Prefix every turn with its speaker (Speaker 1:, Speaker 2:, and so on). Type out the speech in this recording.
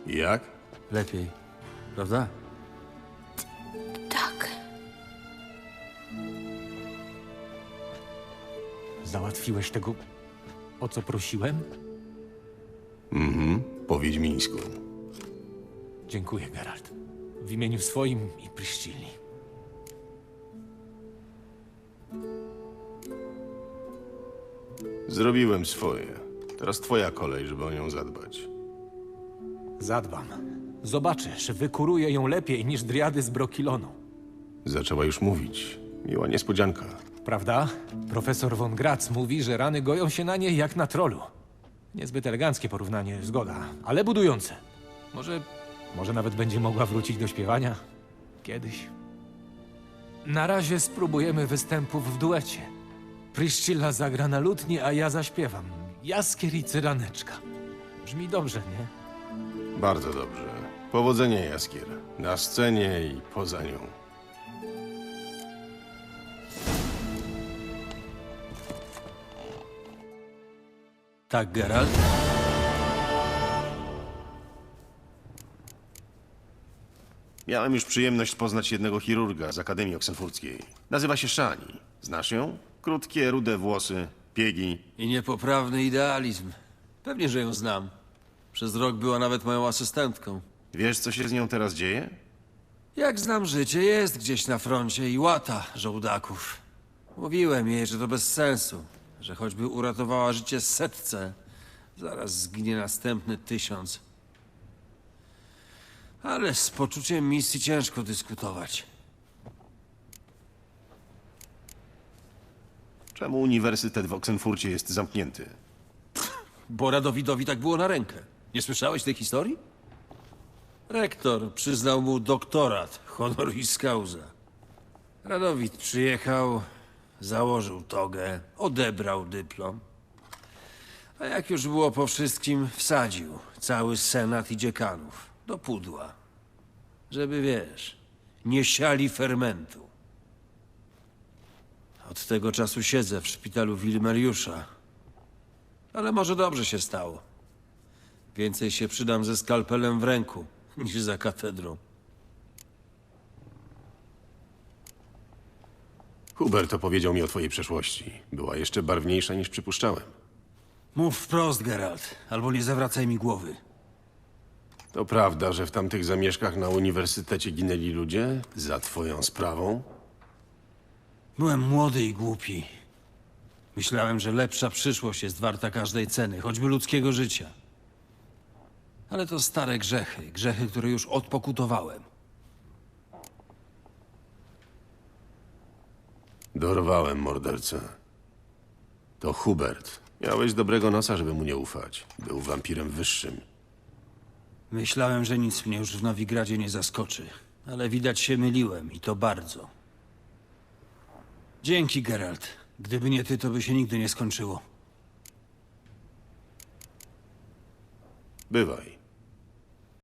Speaker 1: I jak?
Speaker 2: Lepiej, prawda?
Speaker 3: Tak.
Speaker 2: Załatwiłeś tego, o co prosiłem?
Speaker 1: Po wiedźmińsku.
Speaker 2: Dziękuję, Geralt. W imieniu swoim i Priscilli.
Speaker 1: Zrobiłem swoje. Teraz twoja kolej, żeby o nią zadbać.
Speaker 2: Zadbam. Zobaczysz, wykuruję ją lepiej niż driady z Brokilonu.
Speaker 1: Zaczęła już mówić. Miła niespodzianka.
Speaker 2: Prawda? Profesor von Gratz mówi, że rany goją się na niej jak na trolu. Niezbyt eleganckie porównanie, zgoda, ale budujące. Może nawet będzie mogła wrócić do śpiewania? Kiedyś. Na razie spróbujemy występów w duecie. Priscilla zagra na lutni, a ja zaśpiewam. Jaskier i cyraneczka. Brzmi dobrze, nie?
Speaker 1: Bardzo dobrze. Powodzenia, Jaskier. Na scenie i poza nią.
Speaker 4: Tak, Geralt?
Speaker 1: Miałem już przyjemność poznać jednego chirurga z Akademii Oksenfurckiej. Nazywa się Szani. Znasz ją? Krótkie, rude włosy, piegi.
Speaker 4: I niepoprawny idealizm. Pewnie, że ją znam. Przez rok była nawet moją asystentką.
Speaker 1: Wiesz, co się z nią teraz dzieje?
Speaker 4: Jak znam życie, jest gdzieś na froncie i łata żołdaków. Mówiłem jej, że to bez sensu, że choćby uratowała życie setce, zaraz zginie następny 1000. Ale z poczuciem misji ciężko dyskutować.
Speaker 1: Czemu uniwersytet w Oksenfurcie jest zamknięty?
Speaker 4: Bo Radowidowi tak było na rękę. Nie słyszałeś tej historii? Rektor przyznał mu doktorat honoris causa. Radowid przyjechał, założył togę, odebrał dyplom. A jak już było po wszystkim, wsadził cały senat i dziekanów do pudła. Żeby, wiesz, nie siali fermentu. Od tego czasu siedzę w szpitalu Wilmeriusza. Ale może dobrze się stało. Więcej się przydam ze skalpelem w ręku, niż za katedrą.
Speaker 1: Hubert opowiedział mi o twojej przeszłości. Była jeszcze barwniejsza niż przypuszczałem.
Speaker 4: Mów wprost, Geralt, albo nie zawracaj mi głowy.
Speaker 1: To prawda, że w tamtych zamieszkach na uniwersytecie ginęli ludzie? Za twoją sprawą?
Speaker 4: Byłem młody i głupi. Myślałem, że lepsza przyszłość jest warta każdej ceny, choćby ludzkiego życia. Ale to stare grzechy, które już odpokutowałem.
Speaker 1: Dorwałem mordercę. To Hubert. Miałeś dobrego nosa, żeby mu nie ufać. Był wampirem wyższym.
Speaker 4: Myślałem, że nic mnie już w Nowigradzie nie zaskoczy, ale widać się myliłem i to bardzo. Dzięki, Geralt. Gdyby nie ty, to by się nigdy nie skończyło.
Speaker 1: Bywaj.